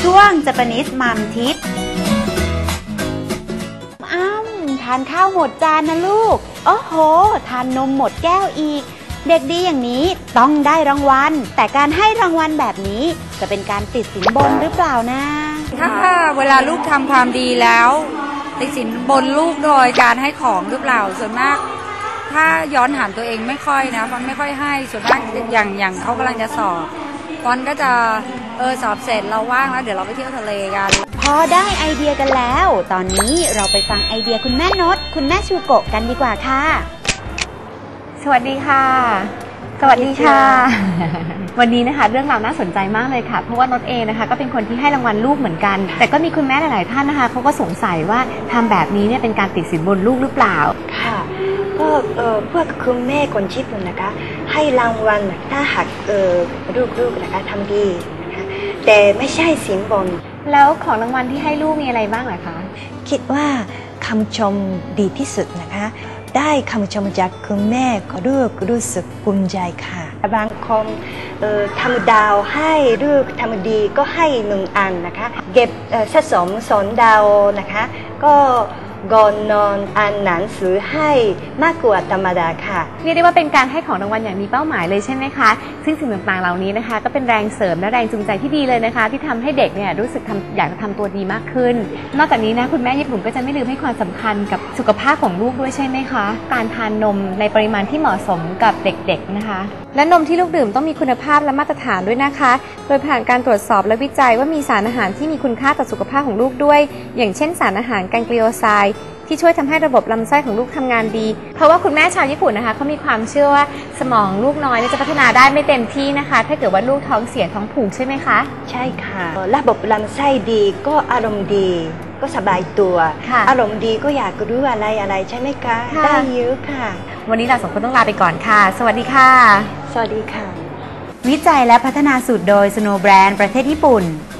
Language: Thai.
ช่วง Japanese Mom Tips ทานข้าวหมดจานนะลูกโอ้โหทานนมหมดแก้วอีกเด็กดีอย่างนี้ต้องได้รางวัลแต่การให้รางวัลแบบนี้จะเป็นการติดสินบนหรือเปล่านะถ้าเวลาลูกทำความดีแล้วติดสินบนลูกโดยการให้ของหรือเปล่าส่วนมากถ้าย้อนถามตัวเองไม่ค่อยนะฟอนไม่ค่อยให้ส่วนมากอย่างเขากำลังจะสอบฟอนก็จะสอบเสร็จเราว่างแล้วเดี๋ยวเราไปเที่ยวทะเลกันพอได้ไอเดียกันแล้วตอนนี้เราไปฟังไอเดียคุณแม่นดคุณแม่ชูโกะกันดีกว่าค่ะสวัสดีค่ะสวัสดีค่ะวันนี้นะคะเรื่องราวน่าสนใจมากเลยค่ะเพราะว่านดเองนะคะก็เป็นคนที่ให้รางวัลลูกเหมือนกันแต่ก็มีคุณแม่หลายๆท่านนะคะเขาก็สงสัยว่าทำแบบนี้เนี่ยเป็นการติดสินบนลูกหรือเปล่าค่ะก็พวกคุณแม่คนญี่ปุ่นนะคะให้รางวัลถ้าหากลูกๆนะคะทำดีนะคะแต่ไม่ใช่สินบนแล้วของรางวัลที่ให้ลูกมีอะไรบ้างเหรอคะคิดว่าคำชมดีที่สุดนะคะได้คำชมจากคุณแม่ก็ลูกรู้สึกภูมิใจค่ะบางคนทำดาวให้ลูกทำดีก็ให้1 อันนะคะเก็บสะสม2 ดาวนะคะก็ก่อนนอนอ่านหนังสือให้มากกว่าธรรมดาค่ะเรียกได้ว่าเป็นการให้ของรางวัลอย่างมีเป้าหมายเลยใช่ไหมคะซึ่งสิ่งต่างๆเหล่านี้นะคะก็เป็นแรงเสริมและแรงจูงใจที่ดีเลยนะคะที่ทำให้เด็กเนี่ยรู้สึกอยากจะทำตัวดีมากขึ้นนอกจากนี้นะคุณแม่ญี่ปุ่นก็จะไม่ลืมให้ความสำคัญกับสุขภาพของลูกด้วยใช่ไหมคะการทานนมในปริมาณที่เหมาะสมกับเด็กๆนะคะและนมที่ลูกดื่มต้องมีคุณภาพและมาตรฐานด้วยนะคะโดยผ่านการตรวจสอบและวิจัยว่ามีสารอาหารที่มีคุณค่าต่อสุขภาพของลูกด้วยอย่างเช่นสารอาหารแกงเกลียวไซด์ที่ช่วยทำให้ระบบลำไส้ของลูกทำงานดีเพราะว่าคุณแม่ชาวญี่ปุ่นนะคะเขามีความเชื่อว่าสมองลูกน้อยจะพัฒนาได้ไม่เต็มที่นะคะถ้าเกิดว่าลูกท้องเสียท้องผูกใช่ไหมคะใช่ค่ะระบบลำไส้ดีก็อารมณ์ดีก็สบายตัวอารมณ์ดีก็อยากรู้อะไรใช่ไหมคะได้เยอะค่ะวันนี้เรา2 คนต้องลาไปก่อนค่ะสวัสดีค่ะสวัสดีค่ะวิจัยและพัฒนาสูตรโดย Snow Brand ประเทศญี่ปุ่น